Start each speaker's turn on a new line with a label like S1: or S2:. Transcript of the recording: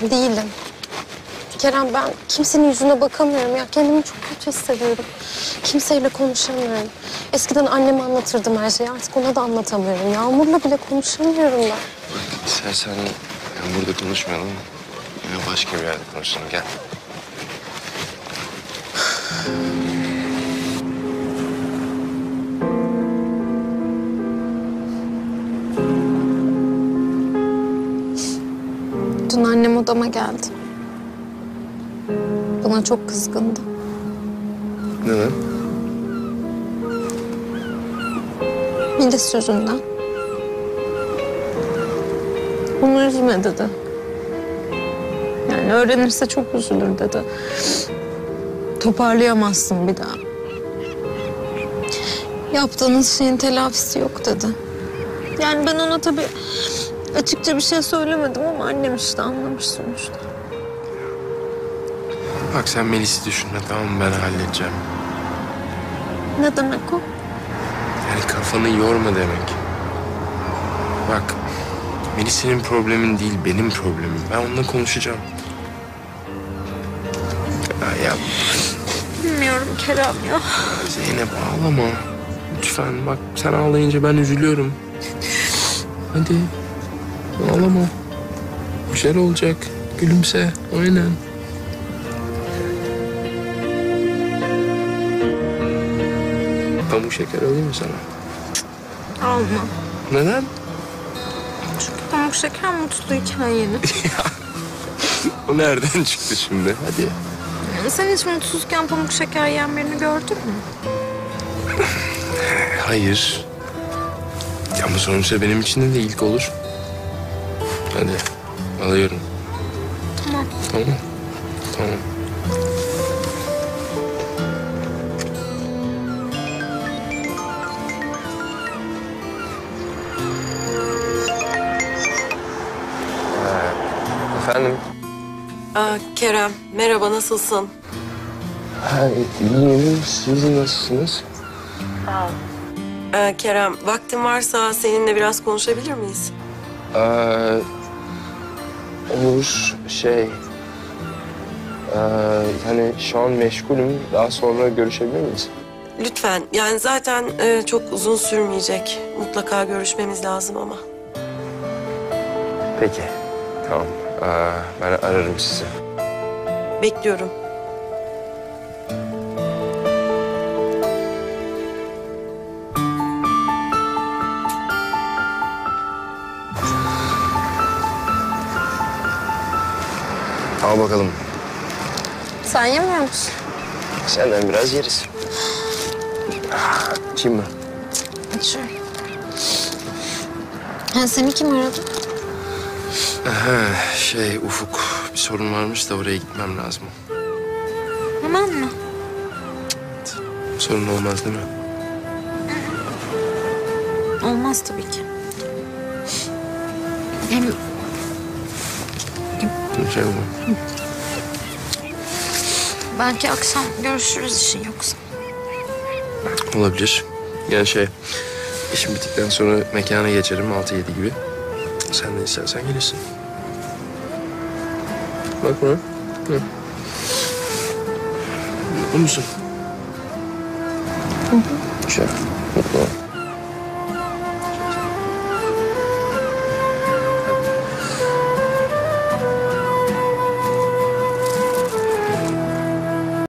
S1: Değilim. Kerem, ben kimsenin yüzüne bakamıyorum ya. Kendimi çok kötü hissediyorum. Kimseyle konuşamıyorum. Eskiden anneme anlatırdım her şeyi. Artık ona da anlatamıyorum. Yağmur'la bile konuşamıyorum ben.
S2: İstersen burada konuşmayalım. Başka bir yerde konuşalım. Gel.
S1: Dün annem odama geldi. Bana çok kızgındı.
S2: Neden?
S1: Melis yüzünden. Onu üzme dedi. Yani öğrenirse çok üzülür dedi. Toparlayamazsın bir daha. Yaptığınız şeyin telafisi yok dedi. Yani ben ona tabii açıkça bir şey söylemedim ama annem işte anlamış sonuçta.
S2: Bak sen Melis'i düşünme, tamam mı? Ben halledeceğim.
S1: Ne demek o?
S2: Yani kafanı yorma demek. Bak, Melis senin problemin değil, benim problemim. Ben onunla konuşacağım. Ya
S1: Bilmiyorum Kerem ya.
S2: Zeynep ağlama. Lütfen bak, sen ağlayınca ben üzülüyorum. Hadi ağlama. Bir şeyler olacak. Gülümse. Aynen. Pamuk şeker alayım mı sana?
S1: Alma.
S2: Neden?
S1: Çünkü pamuk şeker mutluyken yenir.
S2: O nereden çıktı şimdi? Hadi.
S1: Sen hiç mutsuzken pamuk şeker yiyen birini gördün mü?
S2: Hayır. Ama sonuçta benim için de ilk olur. Hadi. Alıyorum.
S1: Tamam.
S2: Tamam. Tamam. Efendim?
S3: Kerem, merhaba, nasılsın?
S2: İyiyim. Siz nasılsınız?
S3: Kerem, vaktin varsa seninle biraz konuşabilir miyiz?
S2: Olur. Yani şu an meşgulüm. Daha sonra görüşebilir miyiz?
S3: Lütfen, yani zaten çok uzun sürmeyecek. Mutlaka görüşmemiz lazım ama.
S2: Peki. Tamam. Ben ararım sizi.
S3: Bekliyorum.
S2: Al bakalım.
S1: Sen yemiyor musun?
S2: Senden biraz yeriz. Kim mi?
S1: Açıyorum. Seni kim aradı?
S2: Ufuk. Bir sorun varmış da oraya gitmem lazım.
S1: Hemen mi?
S2: Sorun olmaz değil mi?
S1: Olmaz tabii ki. Hem
S2: Şey olmaz.
S1: belki akşam görüşürüz işin yoksa.
S2: Olabilir. Yani işim bittikten sonra mekana geçerim 6-7 gibi. Sen de istersen gelirsin. Bak bana. Hı. Mutlu musun? Güzel. Mutlu ol.